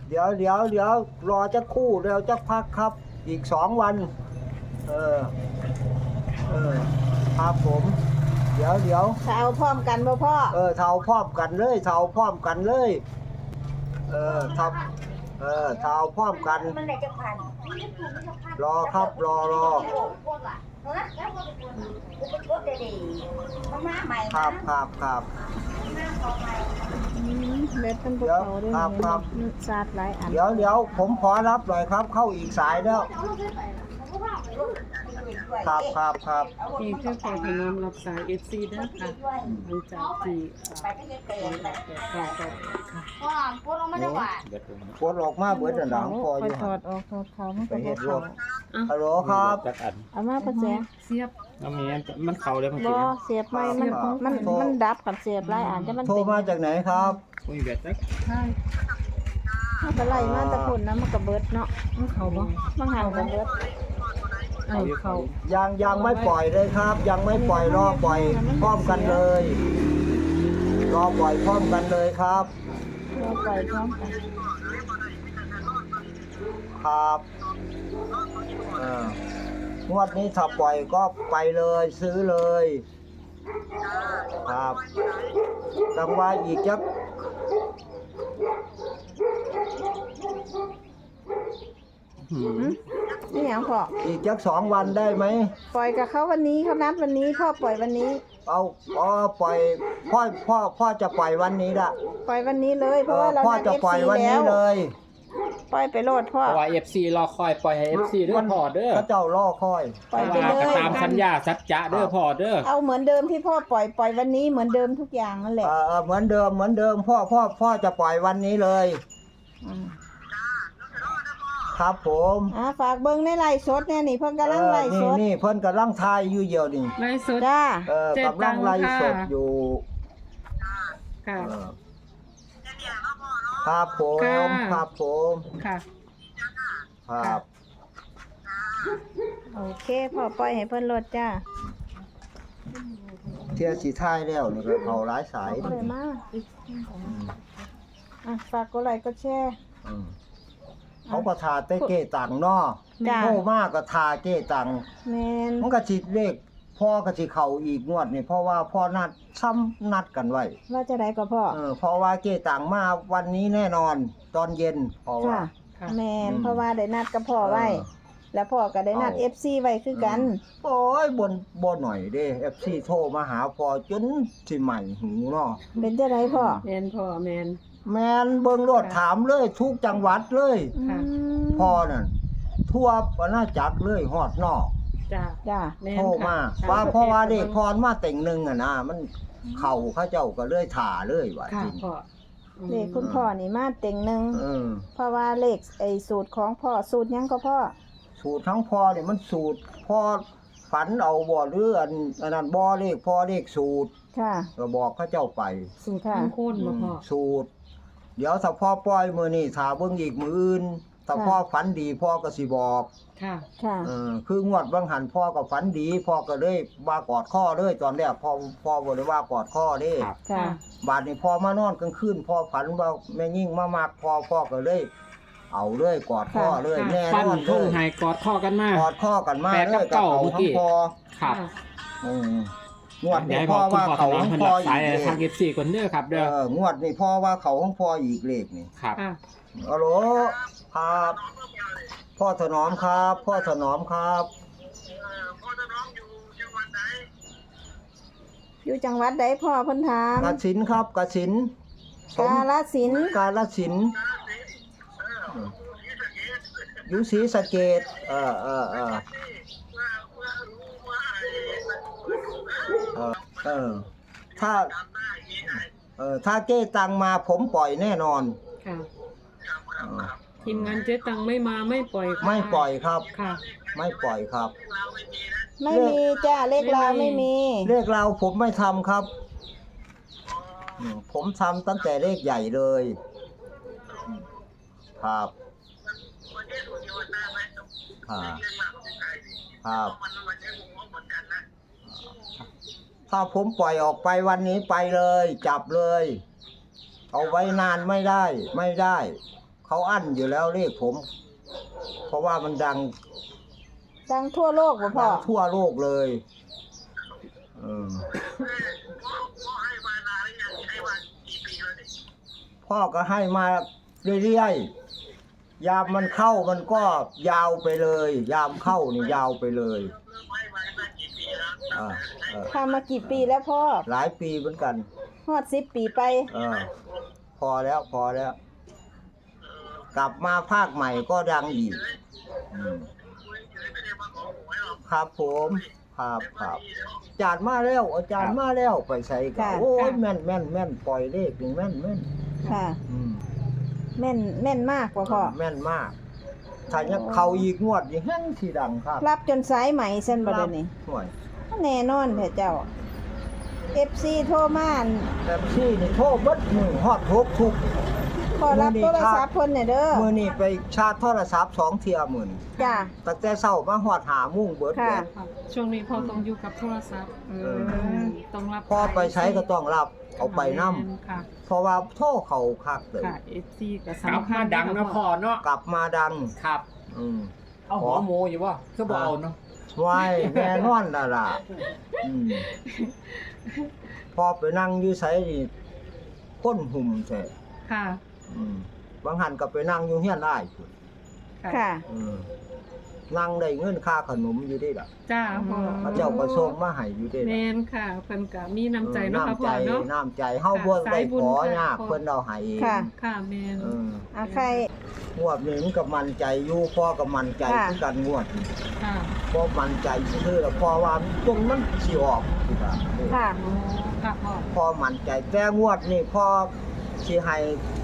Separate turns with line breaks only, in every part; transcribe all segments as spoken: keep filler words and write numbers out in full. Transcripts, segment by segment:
เดี๋ยวเดี๋ยวเดี๋ยวรอจะคู่เดี๋ยวจะพักครับ อีกสองวันเออเออครับผมเดี๋ยวเดี๋ยว
ถ้าเอาพร้อมกันบ่พ่อ
เออเท่าพร้อมกันเลยเท่าพร้อมกันเลยเออทับเออเท่าพร้อมกันรอครับรอรอครับครับครับ
เล็ดเป็นภูเขาด้วย
ครับครับ
ซาดหลายอัน
เดี๋ยวเดี๋ยวผมขอรับหน่อยครับเข้าอีกสายแล้วครับครับครับ
นี่คือขอถนอมรับสาย เอฟ ซี นะค่ะหลังจากที่ค่ะค่ะค่ะ
พ่อพูดออกมาได้ว่า
ปวดออกมาเบิดหลังพออยู่
ถอดออกถอดเขามัน
ไป
ก็
เฮ็
บ่
ดร
เขา
ถฮัลโหลครับ
จักอัน
เอามาประแจ
เสียบ
น้ำมีมันเข้าเลยมัน
บ่
สิ
เสียบไม่มันมันมันดับกับเสียบหลายอันจะมัน
โทร
เป็น
มาจากไหนครับ
คุยแบบจัก
ใช่
มันก็ไล่มาแตะพุ่นนะมันก็เบิดเนาะ
มันเขาบ่
มันหันก็เบิด
เออเขา
ยังยังไม่ปล่อยเลยครับ ยังไม่ปล่อยรอปล่อยพร้อมกันเลย รอปล่อยพร้อมกันเลยครับ
เราปล่อยพร้อมกัน
ครับเอองวดนี้ถ้าปล่อยก็ไปเลยซื้อเลยครับจังว่าอีกจัก
หืม
นี่หยังพ่อ
อีกจักสองวันได้ไหม
ปล่อยกับเขาวันนี้เขานัดวันนี้พ่อปล่อยวันนี้
เอาอ๋อปล่อยพ่อพ่อพ่อจะปล่อยวันนี้ละ
ปล่อยวันนี้เลยเพ
เอ
ราะ
อ
ว่าเรา
พ่อ
นัด
จะ
เอฟ
ปล่อย
ซี
วัน
แล้
นี้
ว
เลย
ปล่อยไปโลดพ่อ
เพราะว่า เอฟ ซี รอคอยปล่อยให้ เอฟ ซี เด้อพอเด้อ
พระเจ้ารอคอย
ปล่อย
เพ
ไป
ราะว่า
เล
ก็
ย
ตามสัญญาสัจจะเด้อพอเด้อ
เอาเหมือนเดิมที่พ่อปล่อยปล่อยวันนี้เหมือนเดิมทุกอย่างนั่นแหละ
เออเออเหมือนเดิมเหมือนเดิมพ่อพ่อพ่อจะปล่อยวันนี้เลย
อืม
ครับผม
อ่าฝากเบิ้งในไลฟ์สดเนี่ยนี่เพิ่นกำลังไลฟ์ส
เออ
ด
นี่นี่เพิ่นกำลังทายอยู่เดียวนี่
ไล่สด
จ้า
เออ
เจ็ด
กำลังไล่
ตังค์
ส
ค่ะ
ดอยู่
ค่ะ
เออครับผม
ค่ะ
ครับผม
ค่ะ
ครับ
โอเคพ่อปล่อยให้เพิ่นโลดจ้า
เที่ยสีท้ายแล้วนี่ก็เขาหลายสาย
เอาเลยมาอีก
อืม
อ่ะฝากกดไลค์กดแชร์
อืมเขาก็ทาเต้เก้ตังเนาะ
จ้า
โทรมากก็ทาเก้ตัง
แมน
มันก็สิเลขพ่อก็สิเข้าอีกงวดนี่เพราะว่าพ่อนัดซ้ำนัดกันไว้
ว่าจะได้ก็พ่อ
เออเพราะว่าเก้ตังมาวันนี้แน่นอน ตอนเย็นเพราะว่า
ค่ะ
ค่ะ
แมน
อืม
เพราะว่าได้นัดกับพ่อไว้
เออ
แล้วพ่อก็ได้นัด
เอา
เอฟซีไว้คือกัน
โอ้ยบนบ่หน่อยเด้ เอฟ ซี โทรมาหาพ่อจนสิใหม่หูเนาะ
เป็นจะได้พ่อ
แมนพ่อแมน
แม่นเบิ่งรถถามเลยทุกจังหวัดเลย
อื
ค่ะ
ม
พ่อนั่นทั่วอาณาจักรเลยฮอดนอก
จ้า
จ้า
แมน
โทรมา
ค่ะ
ว่าเพราะว่าเด็กพรมาแต่งหนึงอ่ะนะมันเข้าเขาเจ้าก็เลยถ่าเลยว่า
ค่ะ
จริง
พ่ออืม
เลขคุณพ่อนี่มาเต็งหนึ่ง
เออ
เพราะว่าเลขไอ้สูตรของพ่อสูตรหยังก็พ่อ
สูตรทั้งพ่อนี่มันสูตรพ่อฝันเอาบ่หรืออันอันนั้นบ่เลขพ่อเลขสูตร
ค่ะ
ก็บอกเขาเจ้าไป
สูตรทั้งโคนบ่พ่อ
สูตร เดี๋ยวถ้าพ่อปล่อยมือนี่ถ้าเบิ่งอีกมืออื่นถ้า
ค่ะ
พ่อฝันดีพ่อก็สิบอก
ค่ะ
ค่ะ
เออคืองวดบางหันพ่อก็ฝันดีพ่อก็เลยว่ากอดข้อเลยตอนแรกพ่อพ่อบ่ได้ว่ากอดข้อเด้
ครับ
ค่ะ
บาดนี้พ่อมานอนกลางคืนพ่อฝันว่าแม่ยิ่งมามักพ่อพ่อก็เลย เอาเลยกอดข้อเลย
ค่ะ
แน่
ฟัน
นอนเล
ทุ่ง
ย
ไห้กอดข้อกันมาก
กอดข้อกันมา
แปด
เล
กับ
ย
เก้า
เขา
เมื่อ
ข
กี้
องพ่อ
ครับ
อืมงวด
เดี๋ยว
นี้
ให้บ
พ่
อ
อก
คุณ
ว่า
พ่อถ
เขา
นอ
ข
ม
อง
เพิ่น
พ่อ
รับ
อี
สาย
กเล
ทาง
ข
เอฟซีคนเด้อครับ
เอ
เด้อ
องวดนี้พ่อว่าเขาของพ่ออีกเลขนี่
ครับ
ค่ะ
ฮัลโหลครับ พ่อถนอมครับ พ่อถนอมครับ
อยู่จังหวัดใดพ่อเพิ่นถาม
กสินครับกสินสม
กาฬสินธุ์
กาลสินธุ์อยู่ศรีสะเกษเออเออเออเออเออถ้าเออถ้าเก้ตังมาผมปล่อยแน่นอน
ค่ะ
เออ
ทีมงานเจ๊ตังไม่มาไม่ปล่อยค่ะ
ไม่ปล่อยครับ
ค่ะ
ไม่ปล่อยครับ
ไม่มีจ้าเลขลาวไม่มี
เลขเราผมไม่ทำครับอืมผมทำตั้งแต่เลขใหญ่เลยครับครับครับถ้าผมปล่อยออกไปวันนี้ไปเลย จับเลย เอาไว้นานไม่ได้ ไม่ได้เขาอั้นอยู่แล้วเลขผม เพราะว่ามันดัง
ดังทั่วโลกบ่พ่อ
ดังทั่วโลกเลยเออพ่อก็ให้มาเรื่อยๆยามมันเข้ามันก็ยาวไปเลย ยามเข้านี่ยาวไปเลยอ่าเออ
ทำมากี่ปีแล้วพ่อ
หลายปีเหมือนกัน
ฮอดสิบปีไป
เออพอแล้วพอแล้ว กลับมาภาคใหม่ก็ดังอีกอืมครับผมครับครับอาจารย์มาแล้วอาจารย์มาแล้วไปใส่กั
ค่ะ
นโอ้ยแม่นแม่นแม่นปล่อยเลขนี่แม่นแม่น
ค่ะ
อืม
แม่นแม่นมากบ่พ่อ
แม่นมาก ถ้ายังเข้าอีกงวดนี่แห้งที่ดังครับ
รับจนสายไหมเส้นบ่เดี๋ยวนี้
ห่วย
แน่นอนแท้เจ้า เอฟ ซี โทรมาอั่น
แบบซี่นี่โทรเบิดมือฮอดหกทุก
ขอรับโทรศัพท์เพิ่นหน่อยเด้อ
มื้อนี้ไปชาร์จโทรศัพท์สองเที่ยหมื่น
จ้า
ตั้งแต่เช้ามาฮอดหาโมุ่งเบิด
ค่ะ
แล้ว
ค่ะช่วงนี้พ่อต้องอยู่กับโทรศัพท์
อื
เอ
ม
ต้องรับ
พอไปใช้ก็ต้องรับเอาไปนํ
ค่ะ
เพราะว่าโทรเขาคักเลย
ค่ะ เอฟ ซี ก็
กลับ
สำคั
มา
ญ
ดังนะพ่อเนาะ
กลับมาดัง
ครับ
อืม
เอาหัวหมูอยู่บ่คือบ่เอาเนาะ
ไว้แน่นอนล่ะล่ะอืมพอไปนั่งอยู่ไสนี่คนหุ่มแท้
ค่ะ
อืมบางหันก็ไปนั่งอยู่เฮียนอ้ายพุ่น
ค่ะ
อืมนั่งได้เงินค่าขนมอยู่ได้ล่ะ
จ้าพ่อ
พระเจ้าก็ส่งมาให้อยู่ได้
แม
ล่ะ
นค่ะเพิ่นก็มีน้ำใจเนาะค่ะ
น้ำ
พ่
ใจ
อเนาะ
น้ำใจเฮาบ่ได้
สายบุญ
ขอ
ค่ะ
ยาก
พ่อ
เพิ่นเอาให้เอง
ค่ะ
ค่ะแมน
เออ
อาใครง
วดนี้มันก็มั่นใจอยู่พ่อก็มั่นใจ
ค่ะ
คือกันงวดนี้
ค่ะ
พ่อมั่นใจซื่อๆแล้วพ่อว่าตรงมันสิออกคือว่า
ค่ะ
โอ้ค่ะพ่อ
พ่อมั่นใจแต่งวดนี้พ่อสิให้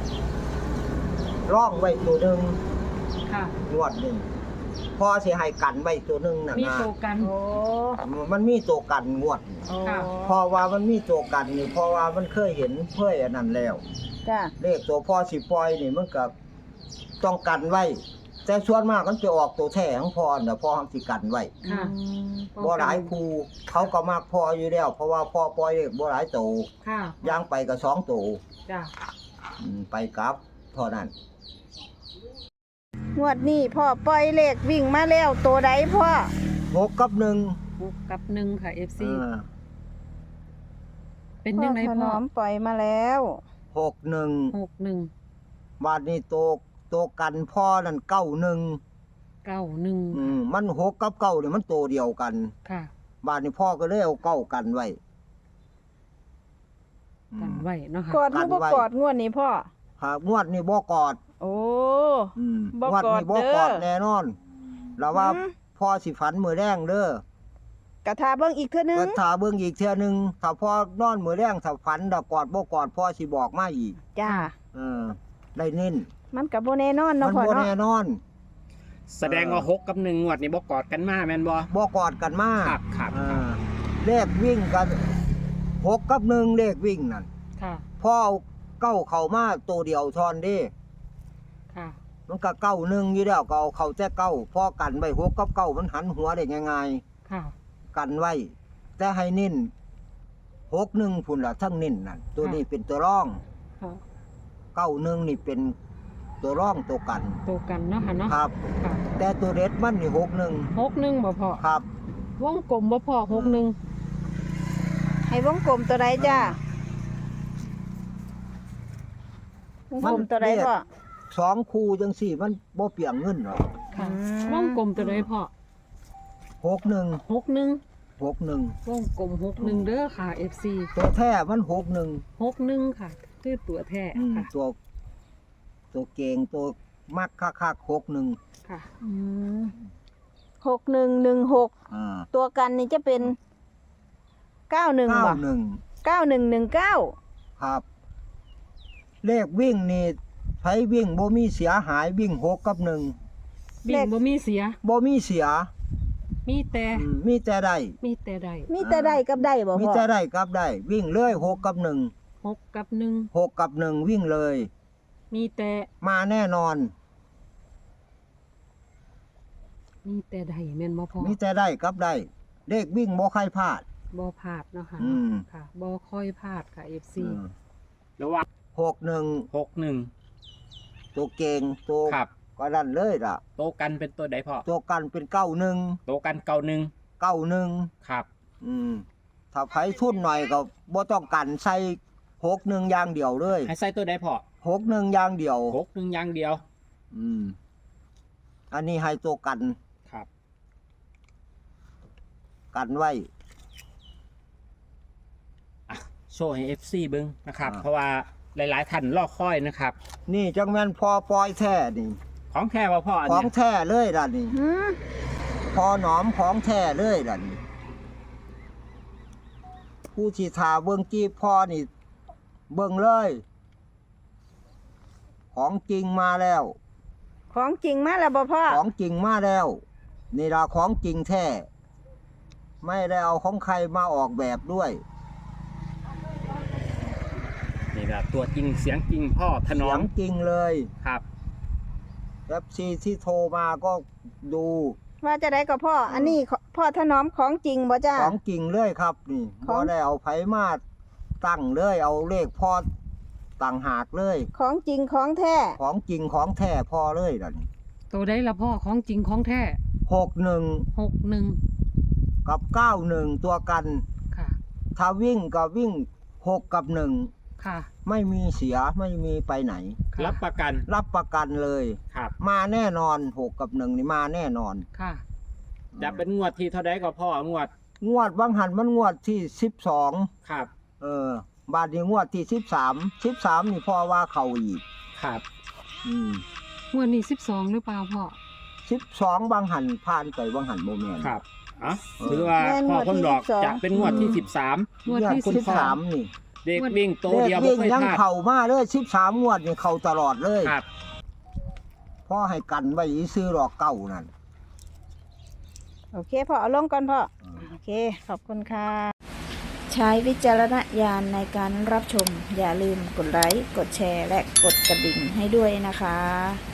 ร่องไว้ตัวหนึง
ค่ะ
งวดนี้พ่อสิให้กันไว้ตัวหนึงน่ะ
มี
นะ
โตกัน
โอ้
มันมีตัวกันงวดนี้
โอ้
ค่ะ
เพราะว่ามันมีตัวกันนี่เพราะว่ามันเคยเห็นเคยอันนั้นแล้ว
จ้า
เลขตัวพ่อสิปล่อยนี่มันก็ต้องกันไว้ แต่ส่วนมากมันจะออกตัวแท้ของพ่อน่ะพ่อสิกันไว้
ค่ะ
อืม
บ่หลายครูเขาก็มักพ่ออยู่แล้ว เพราะว่าพ่อปล่อยเลขบ่หลายตัว
ค่ะ
ย่างไปก็สองตัว
จ้า
อืมไปกลับเท่านั้น
งวดนี้พ่อปล่อยเลขวิ่งมาแล้วตัวใดพ่อ
หกกับหนึ่ง
หกกับหนึ่งค่ะ เอฟ ซี
เออ
เป็น
พ่อ
ยังไง
ถ
พ่
น
อ
อมปล่อยมาแล้ว
หกหนึ่ง
หกหนึ่ง
บาดนี้ตัวตัวกันพ่อนั่นเก้าหนึ่ง
เก้าหนึ่ง
อืมมันหกกับเก้านี่มันตัวเดียวกัน
ค่ะ
บาดนี้พ่อก็เลยเอาเก้ากันไว้อื
กัน
ม
ไว้เนาะค่ะ
กอดหรือบ่
กันไว้
กอดงวดนี้พ่อ
หากงวดนี่บ่กอด
โอ้
อืม
บ่
งวดนี่
ก
บ่
อดเด้อ
กอดแน่นอนแล้วว่า
อืม
พ่อสิฝันมื้อแรงเด้อก
ระทาเบิ่งอีกเทื่อนึง
ก็ถ้าเบิ่งอีกเทื่อหนึงถ้าพ่อนอนมื้อแรงถ้าฝันดอกกอดบ่กอดพ่อสิบอกมาอีก
จ้า
เออได้เน้น
มันก็บ่แน่นอน
มั
เนาะ
น
พ่อ
บ่
เนาะ
แน่นอน
แสดงว่าหกกับหนึ่งงวดนี่บ่กอดกันมาแม่นบ่
บ่กอดกันมา
ครับครับ
เออเลขวิ่งกันหกกับหนึ่งเลขวิ่งนั่น
ค่ะ
พ่อเอาเก้าเข้ามาตัวเดียวทอนเด้
ค่ะ
มันก็เก้าหนึ่งอยู่แล้วก็เอาเข้าแต่เก้าพอกันไว้หกกับเก้ามันหันหัวได้ง่าย
ค่ะ
ๆกันไว้ แต่ให้เน้นหกหนึ่งพุ่นละทั้งเน้นนั่นตัวนี้เป็นตัวร่อง
ค่ะ
เก้าหนึ่งนี่เป็นตัวร่องตัวกัน
โตกันเนาะค่ะเนาะ
ครับ
ค่ะ
แต่ตัวเด็ดมันนี่หกหนึ่ง
หกหนึ่งบ่พอ
ครับ
วงกลมบ่พอหกหนึ่ง
ให้วงกลมตัวใดจ้า วงกลมตัวใดพ่อ
สองคู่จังสี่มันบ่เปลี่ยงเงินหรอก
ค่ะ
อืม
วงกลมตัวใดพ่อ
หกหนึ่ง
หกหนึ่ง
หกหนึ่ง
วงกลมหกหนึ่งเด้อค่ะ เอฟ ซี
ตัวแท้มันหกหนึ่ง
หกหนึ่งค่ะ คือตัวแท้
อืม
ค่ะ
ตัวตัวเก่งตัวมักคักๆหกหนึ่ง
ค่ะ
อืมหกหนึ่งหนึ่งหก
อ่า
ตัวกันนี่จะเป็นเก้าหนึ่ง
เก้า
บ่
หนึ่ง
เก้าหนึ่งหนึ่งเก้า
ครับ เลขวิ่งนี่ไผวิ่งบ่มีเสียหายวิ่งหกกับหนึ่ง
บิ่งบ่มีเสีย
บ่มีเสีย
มีแต่
อืมมีแต่ได้
มีแต่ใด
มีแต่ได้กับได้บ่
มี
พ่อ
แต่ได้กับได้ วิ่งเลยหกกับหนึ่ง
หกกับหนึ่ง
หกกับหนึ่งวิ่งเลย
มีแต่
มาแน่นอน
มีแต่ใดแม่นบ่พอ
มีแต่ได้กับได้ เลขวิ่งบ่ใครพลาด
บ่พลาดเนาะค่ะ
อืม
ค่ะบ่ค่อยพลาดค่ะ เอฟ ซี
อืม
ระหว่าง
หกหนึ่ง
หกหนึ่ง
ตัวเก่งตัว
ครับ
ก็นั่นเลยล่ะ
โตกันเป็นตัวใดพ่อ
ตัวกันเป็นเก้าหนึ่ง
โตกันเก่าหนึ่ง
เก้าหนึ่ง
ครับ
อืมถ้าไผทุนหน่อยก็บ่ต้องกันใส่หกหนึ่งอย่างเดียวเลย
ให้ใส่ตัวใดพ่อ
หกหนึ่งอย่างเดียว
หกหนึ่งอย่างเดียว
อืมอันนี้ให้ตัวกัน
ครับ
กันไว้
อ่ะโชว์ให้ เอฟ ซี เบิ่งนะครับ
อ่า
เพราะว่าหลายๆท่านรอคอยนะครับ
นี่จังแม่นพอปล่อยแท้นี่
ของแท้ว่าพ่ออัน
ของ
เนี้ย
แท้เลยล่ะนี่
หืม
พอหนอมของแท้เลยล่ะนี่ผู้ที่ทาเบิ่งจีบพ่อนี่ เบิ่งเลย ของจริงมาแล้ว
ของจริงมาแล้วบ่พ่อ
ของจริงมาแล้ว นี่ล่ะของจริงแท้ไม่ได้เอาของใครมาออกแบบด้วย
นี่แหละตัวจริงเสียงจริงพ่อถน
เสี
อย ม
งจริงเลย
ครับ
แอปซีที่โทรมาก็ดู
ว่าจะได้ก็พ่อ อันนี้ขอพ่อถนอมของจริงบ่จ้า
ของจริงเลยครับ นี่
ขอ
บ่
ง
ได้เอาไผมาตั้งเลย เอาเลขพ่อต่างหากเลย
ของจริงของแท้
ของจริงของแท้พอเลยล่ะนี่
ตัวได้ละพ่อของจริงของแท้
หกหนึ่ง
หกหนึ่ง
กับเก้าหนึ่งตัวกัน
ค่ะ
ถ้าวิ่งก็วิ่งหกกับหนึ่ง
ค่ะ
ไม่มีเสียไม่มีไปไหน
ค่ะ
รับประกัน
รับประกันเลย
ครับ
มาแน่นอนหกกับหนึ่งนี่มาแน่นอน
ค่ะ
จะเป็นงวดที่เท่าใดก็พ่องวด
งวดบางหันมันงวดที่สิบสอง
ครับ
เออบาทนี้งวดที่สิบสามสิบสามนี่พ่อว่าเขาอีก
ครับ
อืม
งวดนี้สิบสองหรือเปล่าพ่อ
สิบสองบางหันผ่านไปบางหันโมเมน
ครับอ่ะถือว่าพ่อคนดอกจะเป็นงวดที่สิบสาม
งวดที่
สิบสามนี่
เด็กวิ่งโต
เลข
เดียวบ่
วิ่ง
เคย
ยัง
พลาด
เข่ามาเลยสิบสามงวดนี่เข่าตลอดเลย
ครับ
พ่อให้กันไว้ซื้อหลอกเก่านั่น
โอเคพ่อเอาลงก่อนพ่อ โอเค ขอบคุณค่ะ ใช้วิจารณญาณในการรับชม อย่าลืมกดไลค์ กดแชร์ และกดกระดิ่งให้ด้วยนะคะ